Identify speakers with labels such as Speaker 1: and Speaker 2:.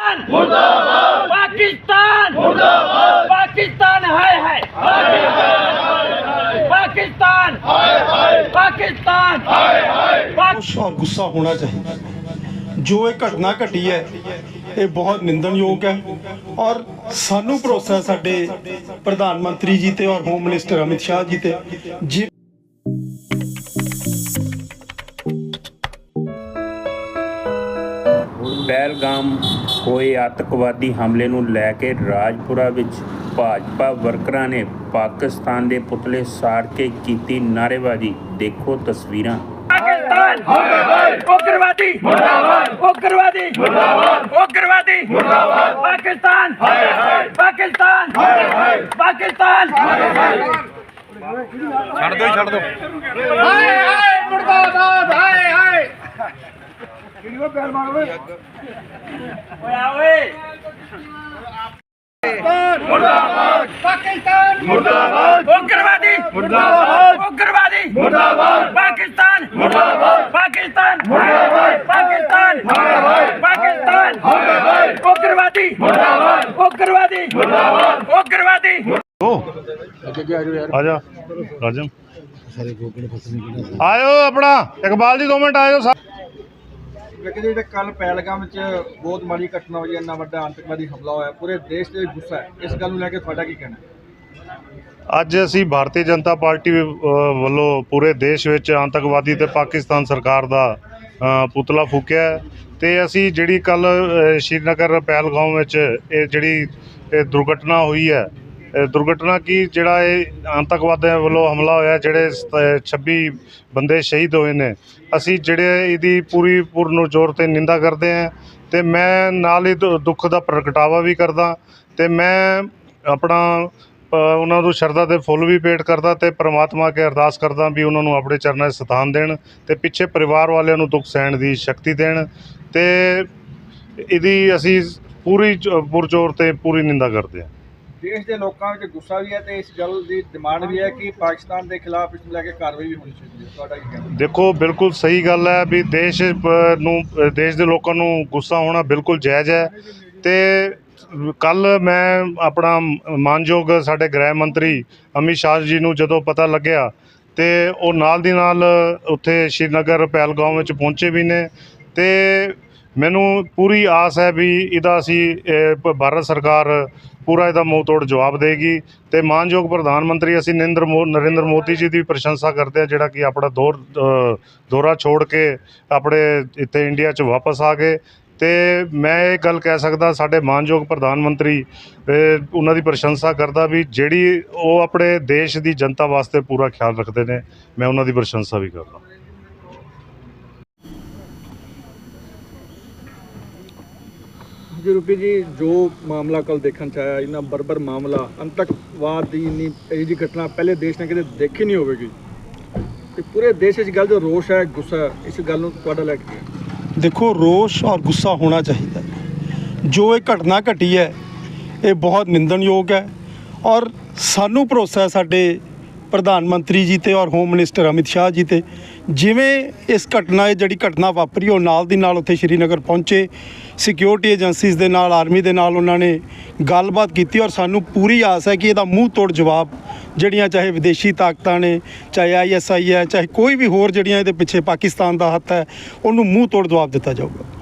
Speaker 1: पाकिस्तान मुर्दाबाद, पाकिस्तान मुर्दाबाद, पाकिस्तान हाय हाय, पाकिस्तान हाय हाय, पाकिस्तान हाय हाय।
Speaker 2: और गुस्सा होना चाहिए। जो ये घटना घटी है ये बहुत निंदनयोग है और सानू भरोसा है साडे प्रधानमंत्री जी ते और होम मिनिस्टर अमित शाह जी ते जी
Speaker 3: ਪਹਿਲਗਾਮ ਹੋਏ ਆਤੰਕਵਾਦੀ ਹਮਲੇ ਨੂੰ ਲੈ ਕੇ ਰਾਜਪੁਰਾ ਵਿੱਚ ਭਾਜਪਾ ਵਰਕਰਾਂ ਨੇ ਪਾਕਿਸਤਾਨ ਦੇ ਪੁਤਲੇ ਸਾੜ ਕੇ ਕੀਤੀ ਨਾਅਰੇਬਾਜ਼ੀ। ਦੇਖੋ ਤਸਵੀਰਾਂ।
Speaker 1: पाकिस्तान हाय हाय, उग्रवादी मुर्दाबाद, उग्रवादी मुर्दाबाद, उग्रवादी मुर्दाबाद, पाकिस्तान हाय हाय, पाकिस्तान हाय हाय, पाकिस्तान हाय हाय।
Speaker 4: ਛੱਡ ਦੋ
Speaker 1: हाय हाय मुर्दाबाद, हाय हाय। मुर्दाबाद, पाकिस्तान मुर्दाबाद, उग्रवादी मुर्दाबाद, उग्रवादी मुर्दाबाद, पाकिस्तान मुर्दाबाद, पाकिस्तान मुर्दाबाद, पाकिस्तान मुर्दाबाद, पाकिस्तान मुर्दाबाद, उग्रवादी मुर्दाबाद, उग्रवादी मुर्दाबाद, उग्रवादी।
Speaker 4: ਆ ਜਾ ਰਾਜਮ ਆਇਓ ਆਪਣਾ ਇਕਬਾਲ ਜੀ 2 ਮਿੰਟ ਆਇਓ।
Speaker 5: ਜਿਹੜੇ ਕੱਲ ਪਹਿਲਗਾਮ ਵਿੱਚ ਬਹੁਤ ਮਾੜੀ ਘਟਨਾ ਹੋਈ, ਇੰਨਾ ਵੱਡਾ ਆਤੰਕਵਾਦੀ ਹਮਲਾ ਹੋਇਆ, ਪੂਰੇ ਦੇਸ਼ ਦੇ ਗੁੱਸਾ ਹੈ। ਇਸ ਗੱਲ ਨੂੰ ਲੈ ਕੇ ਤੁਹਾਡਾ ਕੀ ਕਹਿਣਾ?
Speaker 4: ਅੱਜ ਅਸੀਂ ਭਾਰਤੀ ਜਨਤਾ ਪਾਰਟੀ ਵੱਲੋਂ ਪੂਰੇ ਦੇਸ਼ ਵਿੱਚ ਆਤੰਕਵਾਦੀ ਤੇ ਪਾਕਿਸਤਾਨ ਸਰਕਾਰ ਦਾ ਪੁਤਲਾ ਫੂਕਿਆ ਤੇ ਅਸੀਂ ਜਿਹੜੀ ਕੱਲ ਸ਼੍ਰੀਨਗਰ ਪਹਿਲਗਾਮ ਵਿੱਚ ਇਹ ਜਿਹੜੀ ਦੁਰਘਟਨਾ ਹੋਈ ਹੈ, ਦੁਰਘਟਨਾ ਕੀ ਜਿਹੜਾ ਇਹ ਆਤੰਕਵਾਦੀਆਂ ਵੱਲੋਂ ਹਮਲਾ ਹੋਇਆ, ਜਿਹੜੇ 26 ਬੰਦੇ ਸ਼ਹੀਦ ਹੋਏ ਨੇ, ਅਸੀਂ ਜਿਹੜੇ ਇਹਦੀ ਪੂਰਨ ਜ਼ੋਰ 'ਤੇ ਨਿੰਦਾ ਕਰਦੇ ਹਾਂ ਅਤੇ ਮੈਂ ਨਾਲ ਹੀ ਦੁੱਖ ਦਾ ਪ੍ਰਗਟਾਵਾ ਵੀ ਕਰਦਾ ਅਤੇ ਮੈਂ ਆਪਣਾ ਉਹਨਾਂ ਨੂੰ ਸ਼ਰਧਾ ਦੇ ਫੁੱਲ ਵੀ ਭੇਟ ਕਰਦਾ ਅਤੇ ਪਰਮਾਤਮਾ ਅੱਗੇ ਅਰਦਾਸ ਕਰਦਾ ਵੀ ਉਹਨਾਂ ਨੂੰ ਆਪਣੇ ਚਰਨਾਂ 'ਚ ਸਥਾਨ ਦੇਣ ਅਤੇ ਪਿੱਛੇ ਪਰਿਵਾਰ ਵਾਲਿਆਂ ਨੂੰ ਦੁੱਖ ਸਹਿਣ ਦੀ ਸ਼ਕਤੀ ਦੇਣ ਅਤੇ ਇਹਦੀ ਅਸੀਂ ਪੁਰਜ਼ੋਰ 'ਤੇ ਪੂਰੀ ਨਿੰਦਾ ਕਰਦੇ ਹਾਂ।
Speaker 5: ਦੇਸ਼ ਦੇ ਲੋਕਾਂ ਵਿੱਚ ਗੁੱਸਾ ਵੀ ਹੈ ਤੇ ਇਸ ਗੱਲ ਦੀ ਡਿਮਾਂਡ ਵੀ ਹੈ ਕਿ ਪਾਕਿਸਤਾਨ ਦੇ ਖਿਲਾਫ ਇਸ ਨੂੰ ਲੈ ਕੇ ਕਾਰਵਾਈ ਵੀ ਹੋਣੀ ਚਾਹੀਦੀ ਹੈ। ਤੁਹਾਡਾ ਕੀ ਕਹਿਣਾ?
Speaker 4: ਦੇਖੋ ਬਿਲਕੁਲ ਸਹੀ ਗੱਲ ਹੈ ਵੀ ਦੇਸ਼ ਦੇ ਲੋਕਾਂ ਨੂੰ ਗੁੱਸਾ ਹੋਣਾ ਬਿਲਕੁਲ ਜਾਇਜ਼ ਹੈ ਅਤੇ ਕੱਲ੍ਹ ਮੈਂ ਆਪਣਾ ਮਾਨਯੋਗ ਸਾਡੇ ਗ੍ਰਹਿ ਮੰਤਰੀ ਅਮਿਤ ਸ਼ਾਹ ਜੀ ਨੂੰ ਜਦੋਂ ਪਤਾ ਲੱਗਿਆ ਅਤੇ ਉਹ ਨਾਲ ਦੀ ਨਾਲ ਉੱਥੇ ਸ਼੍ਰੀਨਗਰ ਪਹਿਲਗਾਮ ਵਿੱਚ ਪਹੁੰਚੇ ਵੀ ਨੇ ਅਤੇ ਮੈਨੂੰ ਪੂਰੀ ਆਸ ਹੈ ਵੀ ਇਹਦਾ ਅਸੀਂ ਭਾਰਤ ਸਰਕਾਰ ਪੂਰਾ ਇਹਦਾ ਮੂੰਹ ਤੋੜ ਜਵਾਬ ਦੇਗੀ ਅਤੇ ਮਾਨਯੋਗ ਪ੍ਰਧਾਨ ਮੰਤਰੀ ਅਸੀਂ ਨਰਿੰਦਰ ਮੋਦੀ ਜੀ ਦੀ ਪ੍ਰਸ਼ੰਸਾ ਕਰਦੇ ਹਾਂ, ਜਿਹੜਾ ਕਿ ਆਪਣਾ ਦੌਰਾ ਛੋੜ ਕੇ ਆਪਣੇ ਇੱਥੇ ਇੰਡੀਆ 'ਚ ਵਾਪਸ ਆ ਗਏ ਅਤੇ ਮੈਂ ਇਹ ਗੱਲ ਕਹਿ ਸਕਦਾ ਸਾਡੇ ਮਾਨਯੋਗ ਪ੍ਰਧਾਨ ਮੰਤਰੀ ਉਹਨਾਂ ਦੀ ਪ੍ਰਸ਼ੰਸਾ ਕਰਦਾ ਵੀ ਜਿਹੜੀ ਉਹ ਆਪਣੇ ਦੇਸ਼ ਦੀ ਜਨਤਾ ਵਾਸਤੇ ਪੂਰਾ ਖਿਆਲ ਰੱਖਦੇ ਨੇ, ਮੈਂ ਉਹਨਾਂ ਦੀ ਪ੍ਰਸ਼ੰਸਾ ਵੀ ਕਰਦਾ।
Speaker 5: ਜੀ ਰੂਪੀ ਜੀ, ਜੋ ਮਾਮਲਾ ਕੱਲ ਦੇਖਣ 'ਚ ਆਇਆ, ਇੰਨਾ ਬਰਬਰ ਮਾਮਲਾ, ਆਤੰਕਵਾਦ ਦੀ ਇੰਨੀ ਇਹੋ ਜਿਹੀ ਘਟਨਾ ਪਹਿਲੇ ਦੇਸ਼ ਨੇ ਕਦੇ ਦੇਖੀ ਨਹੀਂ ਹੋਵੇਗੀ ਅਤੇ ਪੂਰੇ ਦੇਸ਼ ਵਿੱਚ ਗੱਲ ਜੋ ਰੋਸ਼ ਹੈ, ਗੁੱਸਾ ਹੈ, ਇਸ ਗੱਲ ਨੂੰ ਤੁਹਾਡਾ ਲੈ ਕੇ?
Speaker 2: देखो रोष और गुस्सा होना चाहिए। जो ये घटना घटी है ये बहुत निंदनयोग है और सानू भरोसा है साडे प्रधानमंत्री जी ते और होम मिनिस्टर अमित शाह जी ते जिवें इस घटना जिहड़ी घटना वापरी ਉਹ ਨਾਲ ਦੀ ਨਾਲ ਉੱਥੇ ਸ਼੍ਰੀਨਗਰ ਪਹੁੰਚੇ, ਸਿਕਿਉਰਿਟੀ ਏਜੰਸੀਜ਼ ਦੇ ਨਾਲ, ਆਰਮੀ ਦੇ ਨਾਲ ਉਹਨਾਂ ਨੇ ਗੱਲਬਾਤ ਕੀਤੀ ਔਰ ਸਾਨੂੰ ਪੂਰੀ ਆਸ ਹੈ ਕਿ ਇਹਦਾ ਮੂੰਹ ਤੋੜ ਜਵਾਬ ਜਿਹੜੀਆਂ ਚਾਹੇ ਵਿਦੇਸ਼ੀ ਤਾਕਤਾਂ ਨੇ, ਚਾਹੇ ISI ਹੈ, ਚਾਹੇ ਕੋਈ ਵੀ ਹੋਰ ਜਿਹੜੀਆਂ ਇਹਦੇ ਪਿੱਛੇ ਪਾਕਿਸਤਾਨ ਦਾ ਹੱਥ ਹੈ, ਉਹਨੂੰ ਮੂੰਹ ਤੋੜ ਜਵਾਬ ਦਿੱਤਾ ਜਾਊਗਾ।